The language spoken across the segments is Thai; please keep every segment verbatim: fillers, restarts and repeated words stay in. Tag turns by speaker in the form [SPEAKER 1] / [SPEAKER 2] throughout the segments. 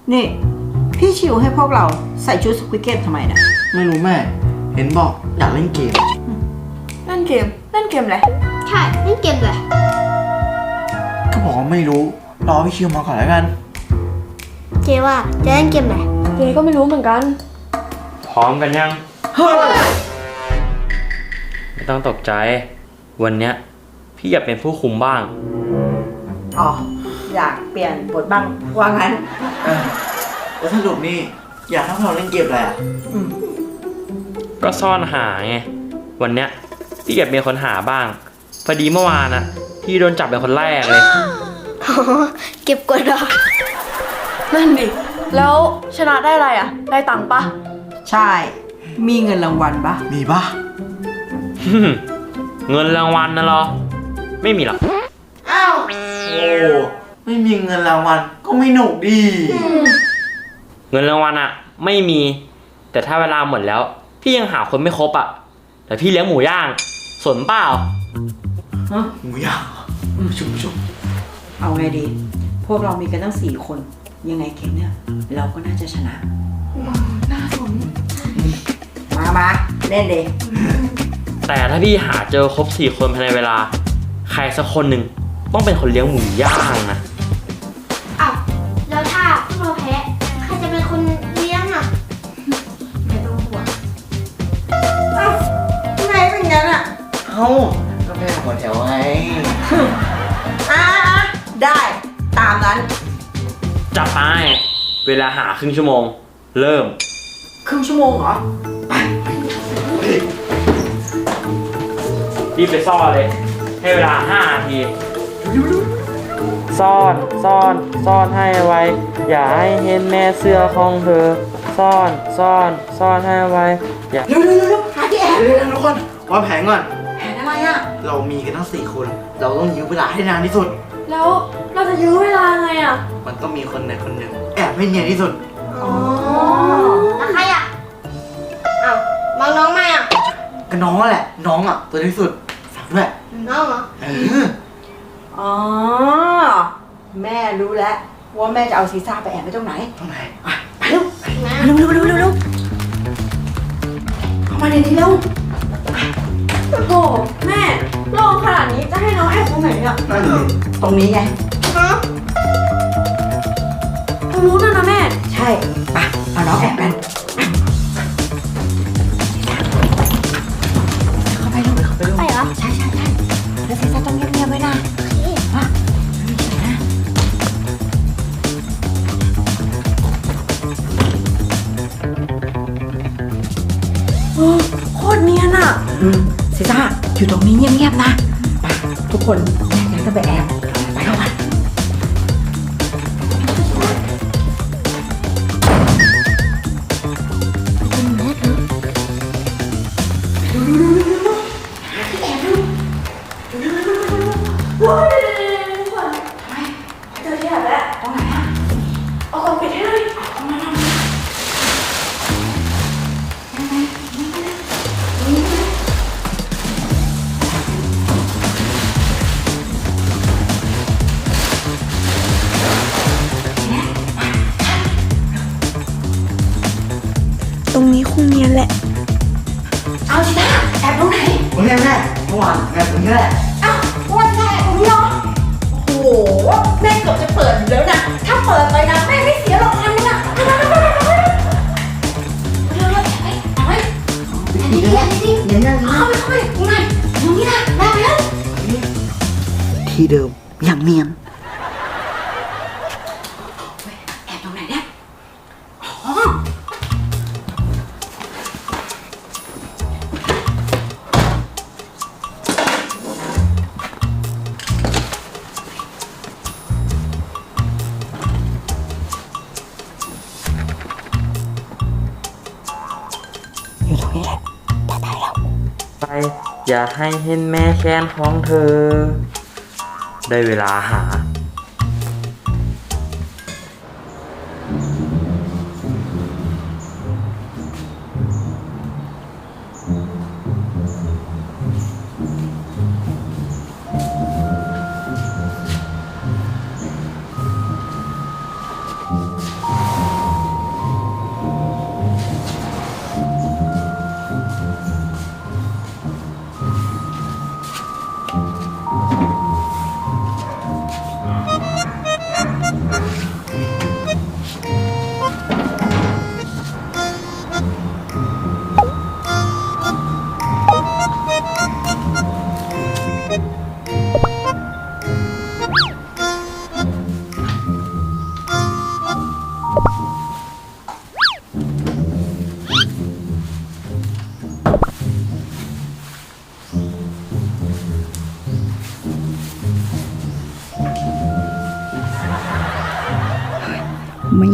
[SPEAKER 1] นี่พี่ชิวให้พวกเราใส่ชุดสควิดเกมทำไมนะ
[SPEAKER 2] ไม่รู้แม่เห็นบอกอยากเล่นเกม
[SPEAKER 3] เล่นเกมเล่นเกมอะไร
[SPEAKER 4] ใช่เล่นเกมเลย
[SPEAKER 2] ก็บอกว่าไม่รู้รอพี่ชิวมาก่อนแล้วกัน
[SPEAKER 4] เจว่าจะเล่นเกมไหน
[SPEAKER 3] เจก็ไม่รู้เหมือนกัน
[SPEAKER 5] พร้อมกันยังไม่ต้องตกใจวันเนี้ยพี่อยากเป็นผู้คุมบ้าง
[SPEAKER 1] อ๋ออยากเปลี่ยนบทบ้างว่างั้น
[SPEAKER 2] แล้วสรุปนี่อยากให้เราเล่นเกมอะไรอ่ะ
[SPEAKER 5] ก็ซ่อนหาไงวันเนี้ยพี่อยากเป็นคนหาบ้างพอดีเมื่อวานอะพี่โดนจับเป็นคนแรกเลย
[SPEAKER 4] เก็บกดหรอ
[SPEAKER 3] นั่นดิแล้วชนะได้อะไรอ่ะได้ตังค์ปะ
[SPEAKER 1] ใช่มีเงินรางวัลปะ
[SPEAKER 2] มีปะ
[SPEAKER 5] เงินรางวัลนะเหรอไม่มีหรอก
[SPEAKER 2] อ้าวโอ้ไม่มีเงินรางวัลก็ไม่หนุกดี
[SPEAKER 5] เงินรางวัลอะไม่มีแต่ถ้าเวลาหมดแล้วพี่ยังหาคนไม่ครบอะแต่พี่เลี้ยงหมูย่างสนเปล่า
[SPEAKER 2] ฮะหมูย่างชุบชุบ
[SPEAKER 1] เอาไงดีพวกเรามีกันตั้งสี่คนยังไงเกมเนี่ยเราก็น่าจะชนะ
[SPEAKER 3] น่าสน
[SPEAKER 1] มามาเล่นดิ
[SPEAKER 5] แต่ถ้าพี่หาเจอครบสี่คนภายในเวลาใครสักคนหนึ่งต้องเป็นคนเลี้ยงหมูย่างนะ
[SPEAKER 4] อ้าวแล้วถ้าพวกเราแพ้ใครจะเป็นคนเลี้ยงอ่ะไม่ต้องห่วง
[SPEAKER 1] เอ้าทำไมเป็นงั้นอ่ะ
[SPEAKER 2] เอ้าก็แม่หัวแถวไง
[SPEAKER 1] อ่าได้ตามนั้น
[SPEAKER 5] จับไปเวลาหาครึ่งชั่วโมงเริ่ม
[SPEAKER 1] ครึ่งชั่วโมงเหรอไป
[SPEAKER 5] รีบไปซ่อนเลยให้เวลาห้านาทีซ่อนซ่อนซ่อนให้ไวอย่าให้เห็นแม่เสื้อของเธอซ่อนซ่อนซ่อนให้ไวอย่า
[SPEAKER 1] เร็วเร็วเร็วหาที่แอบ
[SPEAKER 2] เร็วทุกคนวางแผนก่อน
[SPEAKER 1] แผนอะไรอ่ะ
[SPEAKER 2] เรามีกันทั้งสี่คนเราต้องยื้อเวลาให้นานที่สุด
[SPEAKER 3] แล้วเราจะยื้อเวลาไงอ่ะ
[SPEAKER 2] มันต้องมีคนใดคนหนึ่งแอบให้เนียนที่สุด
[SPEAKER 4] อ๋อแล้วใครอ่ะอ้าวมองน้องไหมอ่ะ
[SPEAKER 2] ก็น้องแหละน้องอ่ะตัวที่สุดฝากด้วย
[SPEAKER 4] น้องเหรอ
[SPEAKER 2] เออ
[SPEAKER 1] อ๋อแม่รู้แล้วว่าแม่จะเอาซีซ่าไปแอบไว้ตรงไหน
[SPEAKER 2] ตรงไหน
[SPEAKER 1] ไปเร็วเร็วเร็วเร็วเร็วเร็วเข้ามาในนี้เร็ว
[SPEAKER 3] โอ้แม่โล่งขนาดนี้จะให้น้องแอบตรงไหนอ่ะ
[SPEAKER 2] นั่นเลย
[SPEAKER 1] ตรงนี้ไง
[SPEAKER 4] ฮะ
[SPEAKER 3] ตรงนู้นน่ะนะแม่
[SPEAKER 1] ใช่ไปเอาน้องแอบกันเข้าไปลูกเข้าไปลูก
[SPEAKER 4] ไปเหรอ
[SPEAKER 1] ใช่ใช่ใช่แล้วซีซ่าต้องเงียบๆไว้นะฮะ
[SPEAKER 3] โอ้โคตรเนียนอ่ะ
[SPEAKER 1] อืมซีซ่าอยู่ตรงนี้เงียบๆนะไปทุกคนแยกย้ายกันไปแอบไปเข้ามา
[SPEAKER 3] ว้าวทำไมเจอที่ไหนแล้ว
[SPEAKER 1] ตรงไหนอ่ะ
[SPEAKER 3] เอากล่องปิดให้เลย
[SPEAKER 1] เอามาทำ
[SPEAKER 3] ตรงนี้คงเนียนแหละ
[SPEAKER 1] เอาสิท่าแอบตรงไหน
[SPEAKER 2] ตรงนี้แม่เมื่อวานแอบตรงนี้แหละ
[SPEAKER 1] อ้าววันแรกตรงนี้เหรอโอ้โหแม่เกือบจะเปิดอยู่แล้วนะถ้าเปิดไปนะแม่ไม่เสียหรอกพันนึงอ่ะเร็วเร็วเร็วเร็วเร็วเร็วไปไปอันนี้ดีอันนี้ดีเดี๋ยวนะเข้าไปเข้าไปตรงไหนตรงนี้นะแม่ไปแล้ว
[SPEAKER 2] ที่เดิมอย่างเนียน
[SPEAKER 1] แอบตรงไหนเนี่ยอ๋ออยู่ตรงนี้แหละปลอดภัยแล้ว
[SPEAKER 5] ไปอย่าให้เห็นแม่แค้นของเธอได้เวลาหา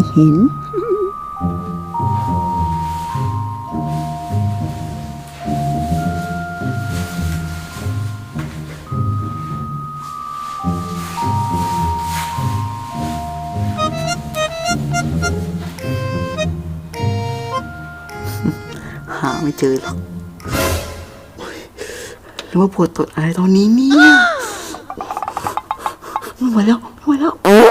[SPEAKER 6] เห็น
[SPEAKER 2] หาไม่เจอหรอกโอ๊ยหรือว่าปวดตดอะไรตอนนี้เนี่ยไม่ไหวแล้วไม่ไหวแล้ว
[SPEAKER 3] โอ้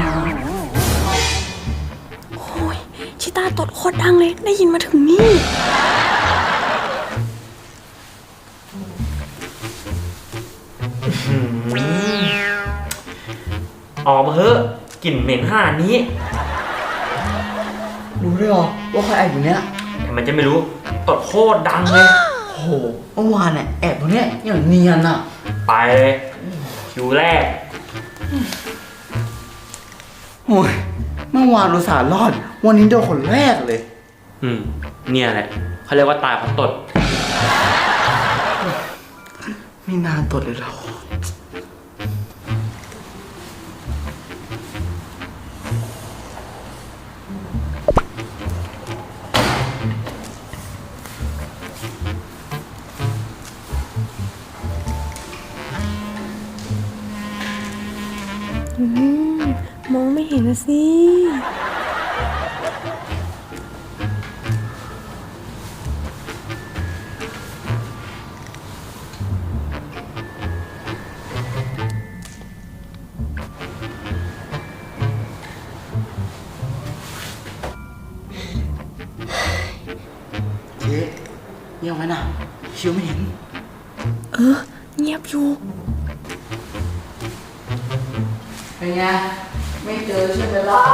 [SPEAKER 3] ยชิต้าตดโคตรดังเลยได้ยินมาถึงนี่
[SPEAKER 5] ออกมาเถอะกลิ่นเหม็นห่านี้
[SPEAKER 2] รู้ได้หรอว่าใครแอบอยู่เนี้ย
[SPEAKER 5] แต่มันจะไม่รู้ตดโคตรดังเลย
[SPEAKER 2] โอ้โหเมื่อวานเนี่ยแอบตรงเนี้ยอย่างเนียนอ่ะ
[SPEAKER 5] ไปเลยคิวแรก
[SPEAKER 2] โอ้ยเมื่อวานอุตส่าห์รอด วันนี้โดนคนแรกเลย
[SPEAKER 5] อืม เนี่ยแหละเขาเรียกว่าตายเพราะตด
[SPEAKER 2] ไม่นานตดเลยเรา
[SPEAKER 3] มองไม่เห็นนะสิ
[SPEAKER 2] เจ๊เงียบไว้นะชิวไม่เห็น
[SPEAKER 3] เออ เงียบอยู่
[SPEAKER 2] เป็นไง ไม่เจอใช่ไหมล่ะ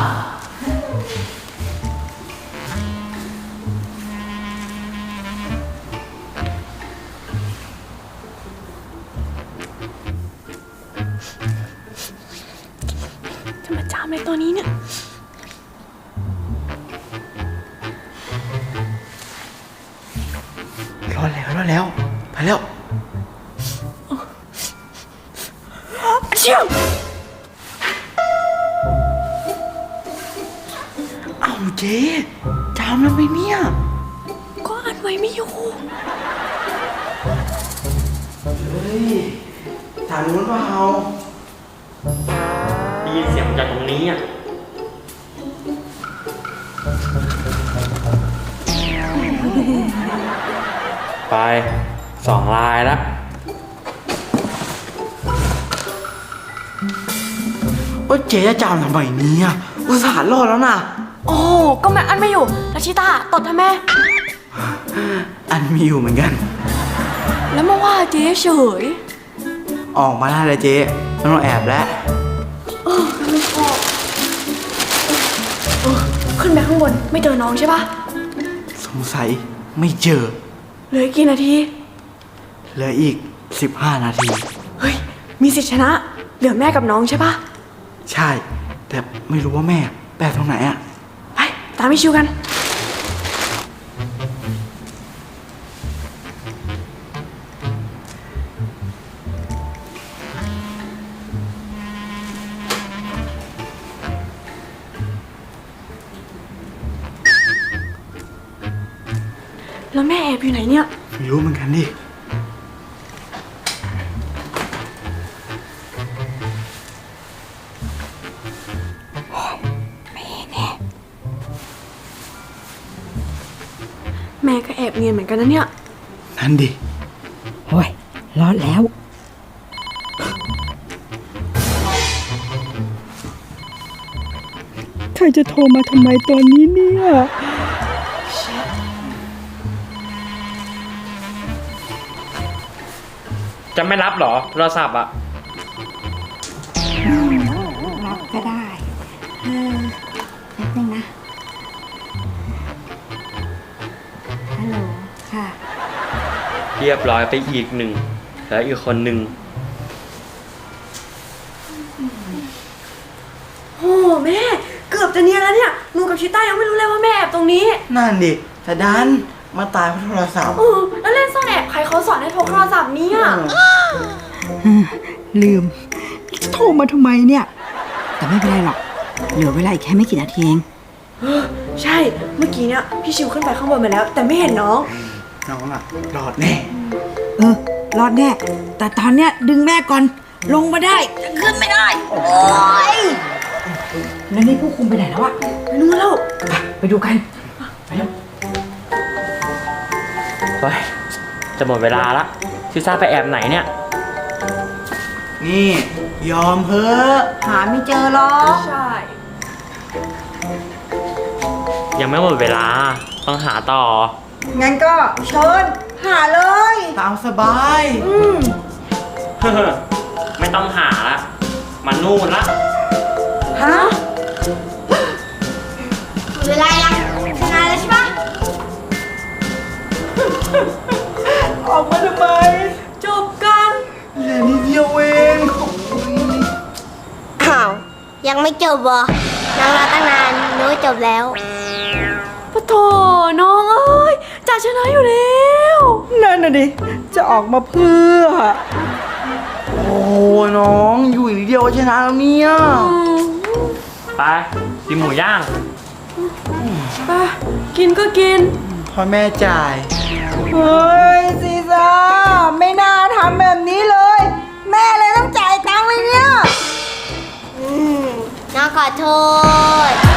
[SPEAKER 3] จะมาจามในตัวนี้เนี่ย
[SPEAKER 2] รอดแล้วรอดแล้ว ไปแล้ว
[SPEAKER 3] เชี่ยว
[SPEAKER 2] เอ้าเจ๊จามแล้วไหมเนี่ย
[SPEAKER 3] ก็อัดไว้ไม่อยู่
[SPEAKER 2] เฮ้ยถามนู้นเปล่า
[SPEAKER 5] ได้ยินเสียงจากตรงนี้อ่ะ ไปสองลายแล้ว
[SPEAKER 2] ว่าเจ๊จะจามทำไมเนี่ยอุตส่าห์รอดแล้วนะ
[SPEAKER 3] โอ้ก็แม่อันไม่อยู่แล้วชิต้าตดทำไม
[SPEAKER 2] อันมีอยู่เหมือนกัน
[SPEAKER 3] แล้วมาว่าเจ๊เฉย
[SPEAKER 2] ออกมาได้เลยเจ๊ไม่ต้องแอบแล้ว
[SPEAKER 3] ขึ้นไปข้างบนไม่เจอน้องใช่ปะ
[SPEAKER 2] สงสัยไม่เจอ
[SPEAKER 3] เหลือกี่นาที
[SPEAKER 2] เหลืออีกสิบห้านาที
[SPEAKER 3] เฮ้ย มีสิทธิชนะ เหลือแม่กับน้องใช่ปะ
[SPEAKER 2] ใช่ แต่ไม่รู้ว่าแม่แปะตรงไหนอะ
[SPEAKER 3] ไป ตามพี่ชิวกัน แล้วแม่แอบอยู่ไหนเนี่ย
[SPEAKER 2] ไม่รู้เหมือนกันดิ
[SPEAKER 3] แม่ก็แอบเนียนเหมือนกันนะเนี่ย
[SPEAKER 2] นั่นดิ
[SPEAKER 6] โอ้ย รอดแล้ว ใครจะโทรมาทำไมตอนนี้เนี่ย
[SPEAKER 5] จะไม่รับเหรอโทรศัพท์อ่ะ
[SPEAKER 6] รับก็ได้เออแป๊บนึงนะ ฮัลโหล ค่ะ
[SPEAKER 5] เรียบร้อยไปอีกหนึ่ง แล้วอีกคนหนึ่ง
[SPEAKER 3] โอ้แม่ เกือบจะเนียนแล้วเนี่ย หนูกับชิต้ายังไม่รู้เลยว่าแม่แอบตรงนี้
[SPEAKER 2] นั่นดิ แต่ดันมาตายเพราะโทรศัพท์
[SPEAKER 3] เออแล้วเล่นซ่อนแอบใครเขาสอนให้พกโทรศัพท์เนี่ย
[SPEAKER 6] ลืม โทรมาทำไมเนี่ย แต่ไม่เป็นไรหรอกเหลือเวลาอีกแค่ไม่กี่นาทีเอง
[SPEAKER 3] ใช่ เมื่อกี้เนี่ยพี่ชิวขึ้นไปข้างบนมาแล้ว แต่ไม่เห็นน้อง
[SPEAKER 2] น้องล่ะรอดแน่
[SPEAKER 6] เออ รอดแน่ แต่ตอนเนี้ยดึงแม่ก่อน ลงมาได้ ขึ้นไม่ได้ โอ๊ย แล้วนี่ผู้คุมไปไหนแล้วอะ
[SPEAKER 3] ไปนู่นแล้ว
[SPEAKER 6] ไปไปดูกัน ไปแล้ว
[SPEAKER 5] เฮ้ย จะหมดเวลาละซิซ่าไปแอบไหนเนี่ย
[SPEAKER 2] นี่ ยอมเพ้อะ
[SPEAKER 6] หาไม่เจอหรอก
[SPEAKER 3] ใช่
[SPEAKER 5] ยังไม่หมดเวลา ต้องหาต่อ
[SPEAKER 6] งั้นก็เชิญ หาเลย
[SPEAKER 2] ตามสบาย
[SPEAKER 5] ไม่ต้องหาละมันนู่นละ
[SPEAKER 6] ฮะ
[SPEAKER 4] หมดเวลายังชนะแล้วใช่ปะ
[SPEAKER 2] ออกมาทำไม
[SPEAKER 3] จบกัน
[SPEAKER 2] เหลือนิดเดียวเอง
[SPEAKER 4] อ้าว ยังไม่จบเหรอนั่งรอตั้งนานนึกว่าจบแล้ว
[SPEAKER 3] ปะโถน้องเอ้ยจ่าชนะอยู่แล้ว
[SPEAKER 2] นั่นน่ะดิ จะออกมาเพื่อ โอ้น้องอยู่อีกนิดเดียวก็ชนะแล้วเนี่ย
[SPEAKER 5] ไปกินหมูย่าง
[SPEAKER 3] ไปกินก็กิน
[SPEAKER 2] พ่อแม่จ่าย
[SPEAKER 6] เฮ้ยซีซ่าไม่น่าทำแบบนี้เลย แม่เลยต้องจ่ายตังค์เลยเนี่ย
[SPEAKER 4] อืมน้องขอโทษ